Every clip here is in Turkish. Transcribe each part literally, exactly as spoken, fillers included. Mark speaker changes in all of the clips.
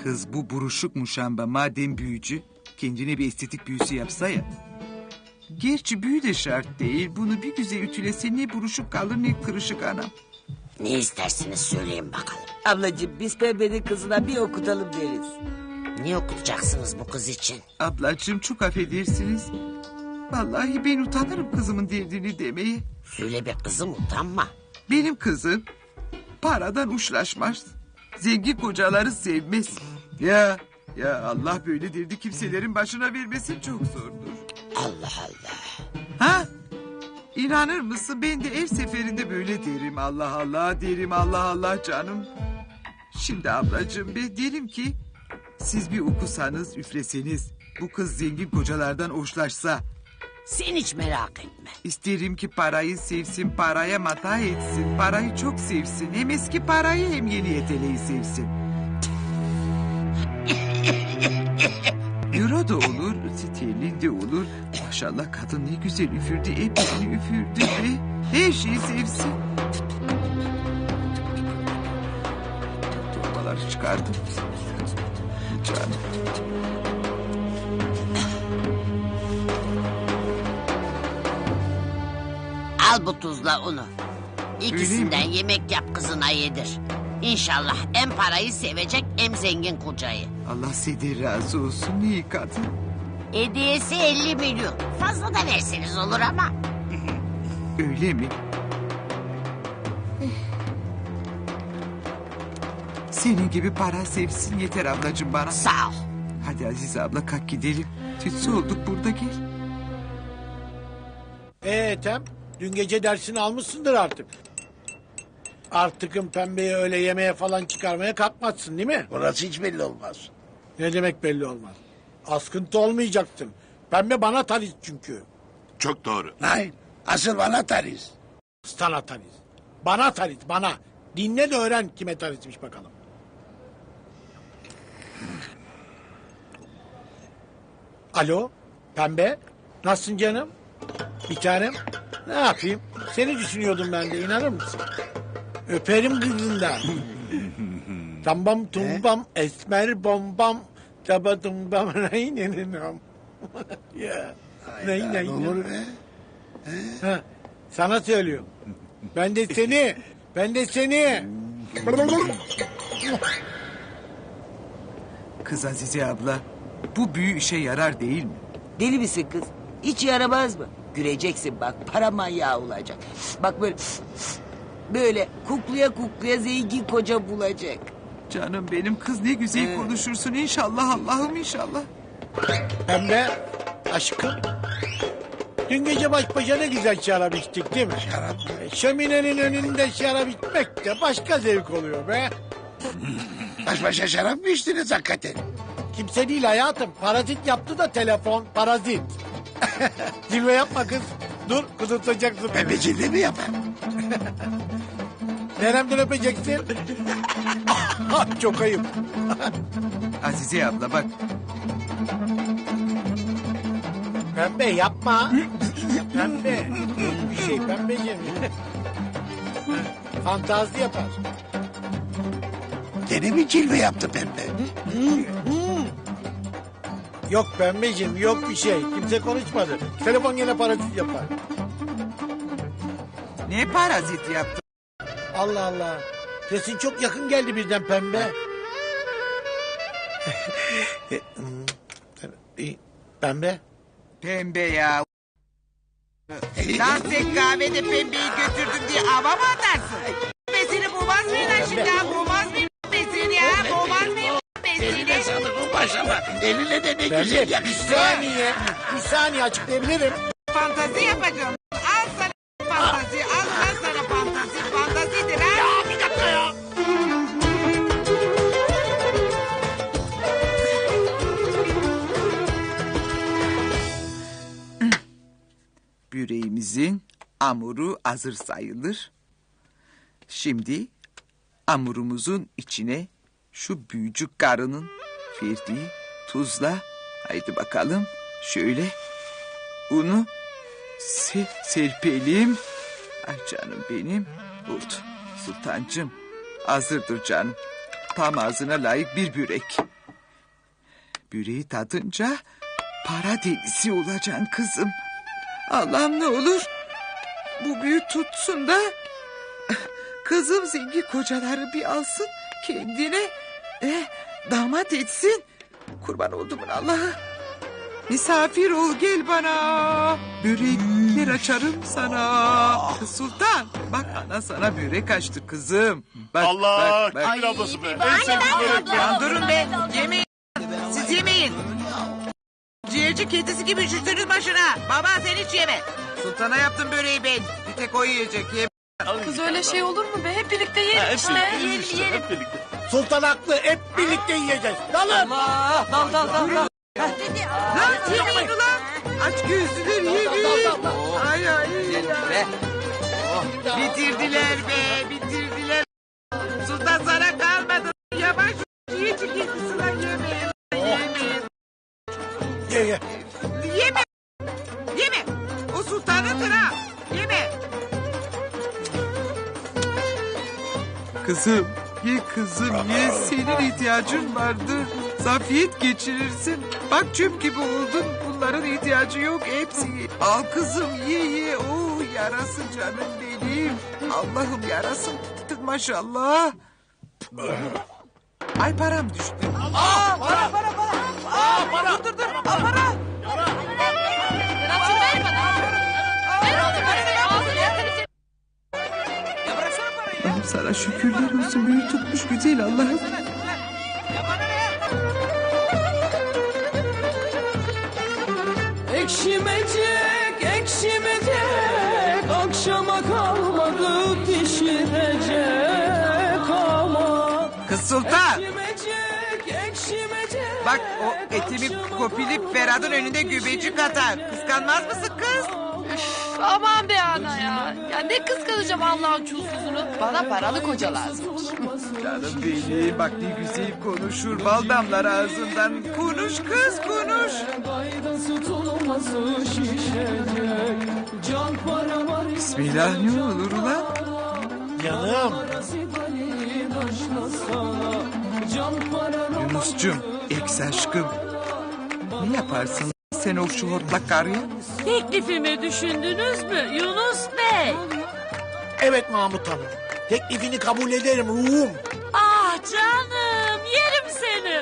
Speaker 1: Kız bu buruşuk muşamba madem büyücü, kendine bir estetik büyüsü yapsa ya. Gerçi büyü de şart değil. Bunu bir güzel ütülese ne buruşuk kalır ne kırışık anam.
Speaker 2: Ne istersiniz söyleyin bakalım.
Speaker 3: Ablacığım biz Pembe'nin kızına bir okutalım deriz.
Speaker 2: Ne okutacaksınız bu kız için?
Speaker 1: Ablacığım çok affedersiniz. Vallahi ben utanırım kızımın derdini demeye.
Speaker 2: Söyle be kızım, utanma.
Speaker 1: Benim kızım paradan uçlaşmaz. Zengin kocaları sevmez. Ya ya Allah böyle derdi kimselerin başına vermesi çok zordur.
Speaker 2: Allah Allah.
Speaker 1: Ha? İnanır mısın ben de her seferinde böyle derim. Allah Allah derim, Allah Allah canım. Şimdi ablacığım ben derim ki siz bir okusanız üfleseniz bu kız zengin kocalardan hoşlaşsa.
Speaker 2: Sen hiç merak etme.
Speaker 1: İsterim ki parayı sevsin, paraya mata etsin, parayı çok sevsin. Hem eski parayı hem yeni yeteleyi sevsin. Euro da olur, sterlin de olur. Maşallah kadın ne güzel üfürdü, hepsini üfürdü ve her şeyi sevsin. Torbaları çıkardım. Canım.
Speaker 2: Al bu tuzla unu. İkisinden yemek yap kızına yedir. İnşallah hem parayı sevecek hem zengin kocayı.
Speaker 1: Allah senden razı olsun, ne iyi kadın.
Speaker 2: Hediyesi elli milyon. Fazla da verseniz olur ama.
Speaker 1: Öyle mi? Senin gibi para sevsin yeter ablacığım bana.
Speaker 2: Sağ ol.
Speaker 1: Hadi Azize abla kalk gidelim. Tütsü olduk burada gel.
Speaker 4: Ee Ethem, dün gece dersini almışsındır artık. Artıkın Pembe'yi öyle yemeğe falan çıkarmaya kalkmazsın değil mi?
Speaker 5: Orası hiç belli olmaz.
Speaker 4: Ne demek belli olmaz. Askıntı olmayacaksın. Pembe bana tariz çünkü.
Speaker 6: Çok doğru.
Speaker 5: Hayır. Asıl bana tariz.
Speaker 4: Sana tariz. Bana tariz, bana. Dinle de öğren kime tarizmiş bakalım. Alo, Pembe. Nasılsın canım? Bir tanem. Ne yapayım? Seni düşünüyordum ben de, inanır mısın? Öperim kızından. Tambam tumbam esmer bombam taba tumbam neyneninam. Ya. Ney ney.
Speaker 5: Ne olur be?
Speaker 4: Ha, sana söylüyorum. Ben de seni. Ben de seni.
Speaker 1: Kız Azize abla bu büyü işe yarar değil mi?
Speaker 3: Deli misin kız? Hiç yaramaz mı? Göreceksin bak para manyağı olacak. Bak böyle böyle kukluya kukluya zengin koca bulacak.
Speaker 1: Canım benim kız ne güzel
Speaker 3: Ee.
Speaker 1: konuşursun inşallah Allah'ım inşallah.
Speaker 4: Pembe aşkım. Dün gece baş başa ne güzel şarap içtik değil mi?
Speaker 5: Şarap.
Speaker 4: Şöminenin önünde şarap içmek de başka zevk oluyor be.
Speaker 5: Baş başa şarap mı içtiniz hakikaten?
Speaker 4: Kimse değil hayatım. Parazit yaptı da telefon. Parazit. Zilve yapma kız. Dur kudurtacaksın.
Speaker 5: Ben becildi mi yapar?
Speaker 4: Neremden öpeceksin? Ah, çok ayıp.
Speaker 1: Azize abla bak
Speaker 4: Pembe yapma. Pembe. Yok bir şey pembeciğim. Fantazi yapar.
Speaker 5: Gene mi cilve yaptı pembe?
Speaker 4: Yok pembeciğim yok bir şey. Kimse konuşmadı. Telefon yine parazit yapar.
Speaker 1: ne parazit yaptı?
Speaker 4: Allah Allah. Sesin çok yakın geldi birden pembe. Pembe.
Speaker 1: Pembe ya. Lan sen kahvede pembeyi götürdüm diye hava mı atarsın? Pembesini bulmaz mıyım lan şimdi ha? Bulmaz mıyım pembesini ya? Bulmaz mıyım
Speaker 5: Eline
Speaker 1: pembesini?
Speaker 5: sağlık bu başlama. Eline de ne
Speaker 4: Pembe
Speaker 5: güzel
Speaker 4: bir
Speaker 5: yakıştı.
Speaker 4: saniye. Bir saniye açıklayabilirim.
Speaker 1: Fantazi yapacağım. Al sana fantazi. Al lan sana fantazi. Fantazidir ha.
Speaker 5: Ya bir dakika ya.
Speaker 1: Böreğimizin hamuru hazır sayılır. Şimdi hamurumuzun içine şu büyücü karının verdiği tuzla haydi bakalım şöyle unu se serpelim. Ay canım benim oldu. Sultancığım hazırdır canım. Tam ağzına layık bir börek. Böreği tadınca para delisi olacaksın kızım. Allah'ım ne olur bu büyü tutsun da kızım zengin kocaları bir alsın kendine eh, damat etsin. Kurban olduğumun Allah'a. Misafir ol gel bana. Börekler açarım sana. Kız Sultan bak ana sana börek açtı kızım. Bak,
Speaker 6: Allah
Speaker 1: bak, bak.
Speaker 6: Gül ablası be. En sevdiğim börek ya.
Speaker 1: Ya durun be yemeyin. Siz yemeyin. Ciğerci kedisi gibi üşürsünüz başına. Baba sen hiç yeme. Sultana yaptım böreği ben. Bir tek o yiyecek. Ye.
Speaker 7: Kız öyle şey olur mu be? Hep birlikte
Speaker 6: Ha,
Speaker 7: yiyelim
Speaker 6: hep
Speaker 7: işte.
Speaker 6: birlikte,
Speaker 7: Yiyelim
Speaker 6: işte,
Speaker 7: yiyelim.
Speaker 6: hep birlikte.
Speaker 4: Sultan haklı. Hep birlikte yiyeceğiz. Dalın.
Speaker 3: Allah! Dal dal dal dal.
Speaker 1: Lan yemeyin ulan. Aç gözlüler yemeyin. Ay ay.
Speaker 3: Be.
Speaker 1: Bitirdiler be bitirdiler. Sultan sana kalmadı. Yavaş yiyecek kedisi lan yemeyin. Yemeyin.
Speaker 4: Ye ye.
Speaker 1: Yeme. Yeme. O sultanındır ha. Yeme. Kızım ye kızım ye senin ihtiyacın vardır. Zafiyet geçirirsin. Bak çöp gibi oldun. Bunların ihtiyacı yok hepsi. Al kızım ye ye. Oh yarasın canım benim. Allah'ım yarasın. Tutun maşallah. Ay param düştü. Aa para para para. Aa para. Dur dur dur. Aa para.
Speaker 7: Berat'cığım ver bana. Ver oğlum parayı. Ağzını yakarız.
Speaker 1: Ya bıraksana parayı. Allah'ım sana şükürler olsun. Büyü tutmuş güzel Allah'ım.
Speaker 8: Ekşimecek, ekşimecek, akşama kalmadı pişirecek ama.
Speaker 1: Kız Sultan.
Speaker 8: Ekşimecek, ekşimecek.
Speaker 1: Bak o etimi kopilip Ferhat'ın önünde gübecik atar. Kıskanmaz mısın kız?
Speaker 7: Üf, aman be ana ya. Ya ne kıskanacağım Allah'ın çulsuzunu. Bana paralı koca lazım.
Speaker 1: Canım benim bak ne güzel konuşur. Bal damlar ağzından. Konuş kız konuş.
Speaker 8: Gaydası tutulması şişecek. Can para var.
Speaker 1: Bismillah ne olur ulan?
Speaker 4: Canım.
Speaker 8: Can para.
Speaker 1: Yunus'cum eks aşkım. Ne yaparsın sen o şu hortlak karıya?
Speaker 8: Teklifimi düşündünüz mü Yunus Bey?
Speaker 4: Evet Mahmut Hanım. Teklifini kabul ederim ruhum.
Speaker 8: Ah canım yerim seni.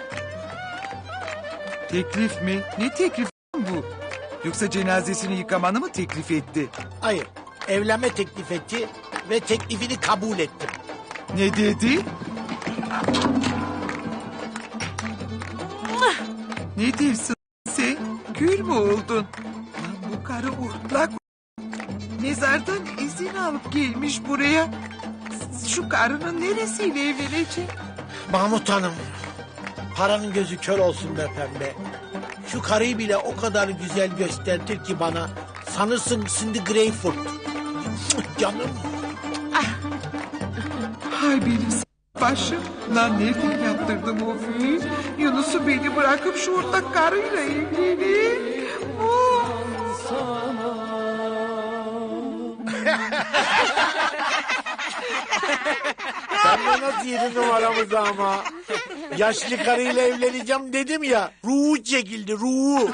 Speaker 1: Teklif mi? Ne teklif bu? Yoksa cenazesini yıkamanı mı teklif etti?
Speaker 4: Hayır. Evlenme teklif etti ve teklifini kabul ettim.
Speaker 1: Ne dedi? Ne diyorsun sen? Gül mü oldun? Lan bu karı urtlak. Mezardan izin alıp gelmiş buraya. Şu karının neresiyle evlenecek?
Speaker 4: Mahmut Hanım. Paranın gözü kör olsun be pembe. Şu karıyı bile o kadar güzel gösterdir ki bana. Sanırsın Cindy Greyfurt. Canım.
Speaker 1: Hay benim s- başım. Lan nereden yaptırdım o büyüyü? Yunus'u beni bırakıp şu ortak karıyla evlenir. Oh.
Speaker 4: Ben nasıl yedi numaramızı ama. Yaşlı karıyla evleneceğim dedim ya. Ruhu çekildi ruhu.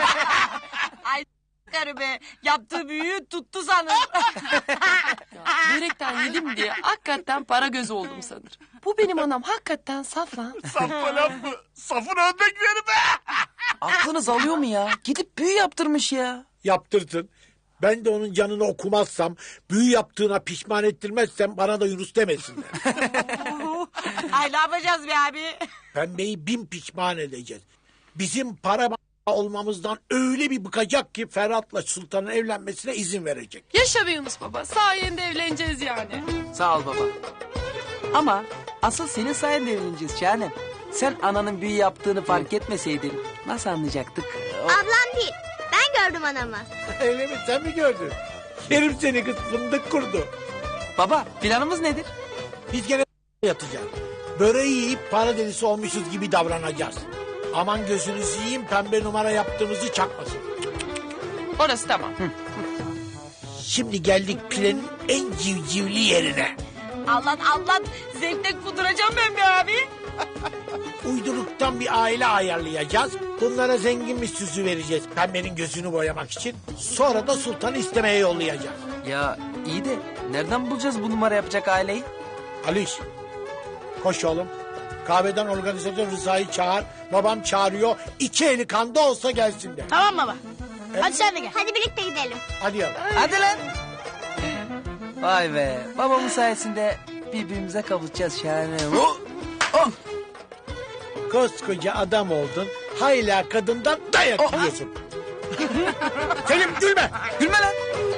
Speaker 8: Karı be yaptığı büyüğü tuttu sanır.
Speaker 7: Börekten yedim diye hakikaten para gözü oldum sanır. Bu benim anam hakikaten saf lan.
Speaker 6: Saf falan mı? Safın örnekleri be.
Speaker 3: Aklınız alıyor mu ya? Gidip büyü yaptırmış ya.
Speaker 4: Yaptırsın. Ben de onun canını okumazsam, büyü yaptığına pişman ettirmezsem bana da Yunus demesinler.
Speaker 8: Ay ne yapacağız be abi?
Speaker 4: Pembeyi bin pişman edeceğiz. Bizim para olmamızdan öyle bir bıkacak ki Ferhat'la Sultan'ın evlenmesine izin verecek.
Speaker 7: Yaşa be Yunus baba. Sayende evleneceğiz yani.
Speaker 3: Sağ ol baba. Ama asıl senin sayende evleneceğiz Şahanem. Sen ananın büyü yaptığını fark etmeseydin nasıl anlayacaktık?
Speaker 9: Ablam değil. Ben gördüm anamı.
Speaker 4: Öyle mi? Sen mi gördün? Yerim seni kız fındık kurdu.
Speaker 3: Baba planımız nedir?
Speaker 4: Biz gene yatacağız. Böreği yiyip para delisi olmuşuz gibi davranacağız. Aman gözünüzü yiyeyim pembe numara yaptığımızı çakmasın.
Speaker 7: Orası tamam.
Speaker 4: Şimdi geldik pilenin en civcivli yerine.
Speaker 8: Allah Allah zevkten kuduracağım ben be abi.
Speaker 4: Uyduruktan sıradan bir aile ayarlayacağız. Bunlara zengin bir süsü vereceğiz pembenin gözünü boyamak için. Sonra da sultanı istemeye yollayacağız.
Speaker 10: Ya iyi de nereden bulacağız bu numara yapacak aileyi?
Speaker 4: Aliş, koş oğlum. Kahveden organizatör Rıza'yı çağır. Babam çağırıyor. İki eli kanda olsa gelsin de.
Speaker 9: Tamam baba. Hadi sen de gel. Hadi birlikte gidelim.
Speaker 4: Hadi yavrum.
Speaker 10: Hadi lan. Vay be. Babamın sayesinde birbirimize kavuşacağız şahane. Oh! Oh!
Speaker 4: Koskoca adam oldun. Hala kadından dayak yiyorsun. Selim gülme.
Speaker 10: Gülme lan.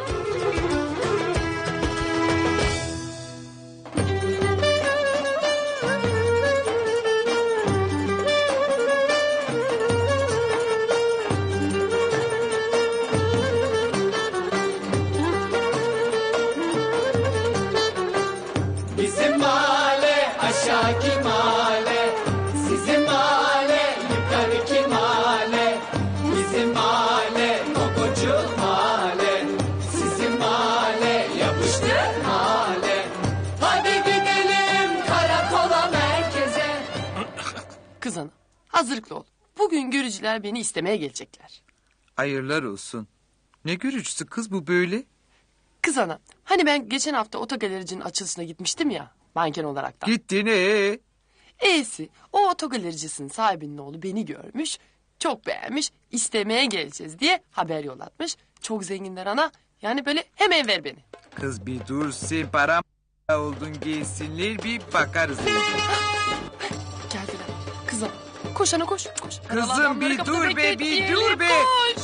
Speaker 11: Bizim mahalle aşağıki mahalle, sizin mahalle yukarıki mahalle. Bizim mahalle kokocu mahalle, sizin mahalle yapıştır mahalle. Hadi gidelim karakola merkeze.
Speaker 7: Kız ana hazırlıklı ol. Bugün görücüler beni istemeye gelecekler.
Speaker 1: Hayırlar olsun. Ne görücüsü kız bu böyle?
Speaker 7: Kız ana hani ben geçen hafta otogalericinin açılışına gitmiştim ya. Manken olarak da.
Speaker 1: Gittin ee?
Speaker 7: E'si o otogalericisinin sahibinin oğlu beni görmüş. Çok beğenmiş istemeye geleceğiz diye haber yollatmış. Çok zenginler ana yani böyle hemen ver beni.
Speaker 1: Kız bir dur sen param oldun gelsinler bir bakarız.
Speaker 7: Geldiler. Kız ana koş ana koş. koş.
Speaker 1: Kızım,
Speaker 7: Adamları
Speaker 1: bir
Speaker 7: kapıda
Speaker 1: dur be, bir
Speaker 7: bekletmeyelim,
Speaker 1: dur be.
Speaker 7: Koş.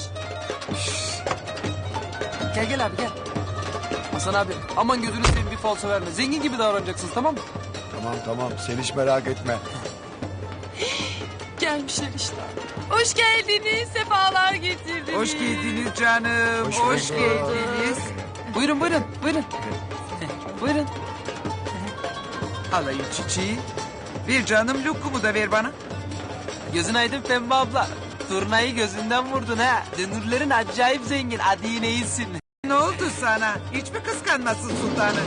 Speaker 10: Gel gel abi gel. Hasan abi aman gözünü seveyim bir falso verme. Zengin gibi davranacaksınız tamam mı?
Speaker 5: Tamam tamam sen hiç merak etme.
Speaker 7: Gelmişler işte. Hoş geldiniz. Sefalar getirdiniz.
Speaker 1: Hoş geldiniz canım.
Speaker 5: Hoş
Speaker 1: Hoş,
Speaker 5: bulduk.
Speaker 1: geldiniz.
Speaker 10: Buyurun buyurun buyurun. Buyurun.
Speaker 1: Alayım çiçeği. Ver canım lokumu da ver bana.
Speaker 10: Gözün aydın Pembe abla. Turnayı gözünden vurdun ha. Dönürlerin acayip zengin. Hadi yine iyisin.
Speaker 1: Ne oldu sana? Hiç mi kıskanmasın sultanı?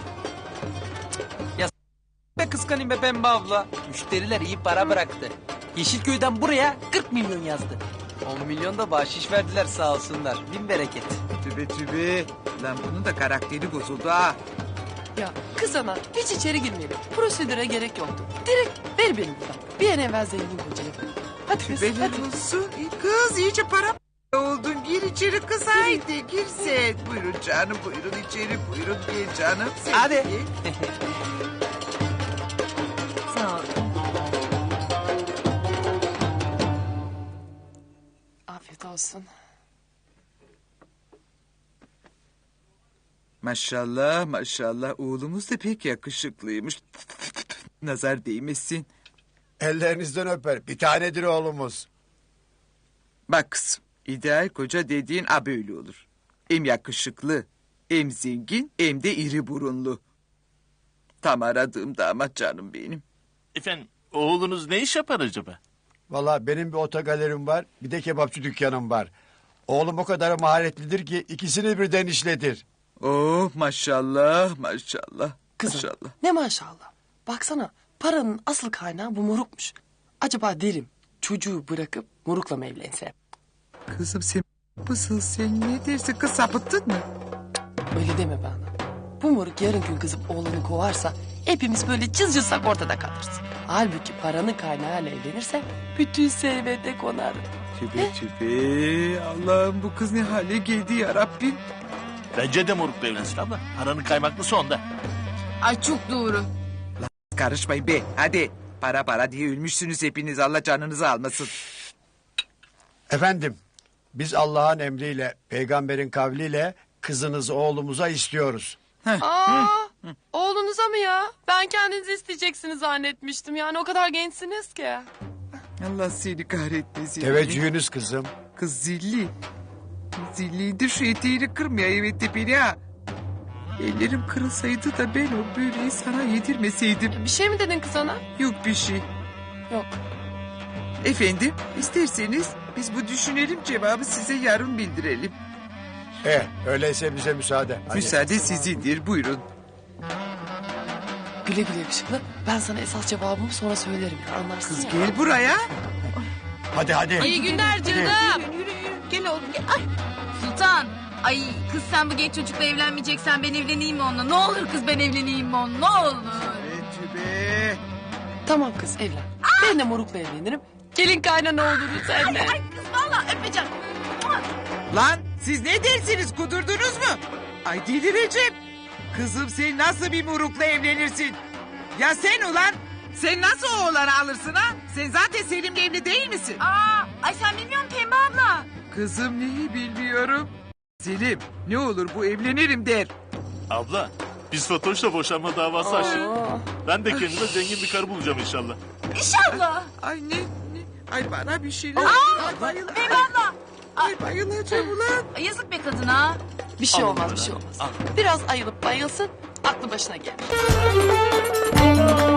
Speaker 10: Be kıskanayım be Pembe abla. Müşteriler iyi para bıraktı. Yeşilköy'den buraya kırk milyon yazdı. on milyon da bahşiş verdiler sağ olsunlar. Bin bereket.
Speaker 1: Tübe tübe. Lan bunun da karakteri bozuldu ha.
Speaker 7: Ya kız ana hiç içeri girmeyelim. Prosedüre gerek yoktu. Direkt ver beni buradan. Bir an evvel zengin kocayı. Hadi kız
Speaker 1: Tübeler
Speaker 7: hadi.
Speaker 1: olsun. Kız iyice para oldun. Gir içeri kız haydi gir sen. Buyurun canım buyurun içeri buyurun gel canım. Sen
Speaker 10: Hadi.
Speaker 1: gel.
Speaker 7: Sağ ol. Afiyet olsun.
Speaker 1: Maşallah maşallah oğlumuz da pek yakışıklıymış. Nazar değmesin.
Speaker 5: Ellerinizden öper. Bir tanedir oğlumuz.
Speaker 1: Bak kızım ideal koca dediğin a böyle olur. Hem yakışıklı hem zengin hem de iri burunlu. Tam aradığım damat canım benim.
Speaker 6: Efendim oğlunuz ne iş yapar acaba?
Speaker 5: Valla benim bir otogalerim var. Bir de kebapçı dükkanım var. Oğlum o kadar maharetlidir ki ikisini birden işletir.
Speaker 1: Oh maşallah maşallah.
Speaker 7: Kızım
Speaker 1: Maşallah.
Speaker 7: ne maşallah. Baksana paranın asıl kaynağı bu morukmuş. Acaba derim çocuğu bırakıp morukla mı evlensem?
Speaker 1: Kızım sen mısın sen ne dersin kız sapıttın mı?
Speaker 7: Öyle deme bana. Bu moruk yarın gün kızıp oğlunu kovarsa hepimiz böyle cız cızsak ortada kalırız. Halbuki paranın kaynağıyla evlenirse bütün servete konarım.
Speaker 1: Tübe tübe Allah'ım bu kız ne hale geldi ya Rabbim.
Speaker 6: Bence de morukla evlensin abla. Paranın kaymaklısı onda.
Speaker 7: Ay çok doğru.
Speaker 1: Karışmayın be hadi. Para para diye ölmüşsünüz hepiniz Allah canınızı almasın.
Speaker 5: Efendim biz Allah'ın emriyle peygamberin kavliyle kızınızı oğlumuza istiyoruz.
Speaker 7: Aa, oğlunuza mı ya? Ben kendinizi isteyeceksiniz zannetmiştim. Yani o kadar gençsiniz ki.
Speaker 1: Allah seni kahretmesin.
Speaker 5: Teveccühünüz kızım.
Speaker 1: Kız zilli. Zilliydi şu eteğini kırmaya evet tepeni ha. Ellerim kırılsaydı da ben o böreği sana yedirmeseydim.
Speaker 7: Bir şey mi dedin kız ana?
Speaker 1: Yok bir şey.
Speaker 7: Yok.
Speaker 1: Efendim isterseniz biz bu düşünelim cevabı size yarın bildirelim.
Speaker 5: Eh öyleyse bize müsaade. Hadi.
Speaker 1: Müsaade sizindir buyurun.
Speaker 7: Güle güle yakışıklı. Ben sana esas cevabımı sonra söylerim ya anlarsın
Speaker 1: Kız
Speaker 7: ya.
Speaker 1: gel buraya.
Speaker 5: Hadi hadi.
Speaker 8: İyi günler canım.
Speaker 1: Yürü yürü yürü. Gel oğlum gel. Ay.
Speaker 8: Sultan. Ay kız sen bu genç çocukla evlenmeyeceksen ben evleneyim mi onunla? Ne olur kız ben evleneyim mi onunla? Ne olur.
Speaker 1: Betü be.
Speaker 7: Tamam kız evlen. Ben de morukla evlenirim. Gelin kaynana oluruz senle.
Speaker 8: Ay kız valla öpeceğim.
Speaker 1: Lan siz ne dersiniz kudurdunuz mu? Ay delireceğim. Kızım sen nasıl bir murukla evlenirsin? Ya sen ulan sen nasıl o oğlanı alırsın ha? Sen zaten Selim'le evli değil misin?
Speaker 8: Aa, ay sen bilmiyor musun Pembe abla?
Speaker 1: Kızım neyi bilmiyorum. Selim ne olur bu evlenirim der.
Speaker 6: Abla biz Fatoş'la boşanma davası açtık. Ben de kendime zengin bir karı bulacağım inşallah.
Speaker 8: İnşallah.
Speaker 1: Ay ne, ne? Ay bana bir şeyler.
Speaker 8: Aa,
Speaker 1: Ay bayıl.
Speaker 8: Pembe abla.
Speaker 1: Ay bayılacağım ulan.
Speaker 8: Ay, yazık be kadına.
Speaker 7: Bir şey
Speaker 6: Al
Speaker 7: olmaz
Speaker 6: bunları.
Speaker 7: bir şey olmaz.
Speaker 6: Al.
Speaker 7: Biraz ayılıp bayılsın aklı başına gelir.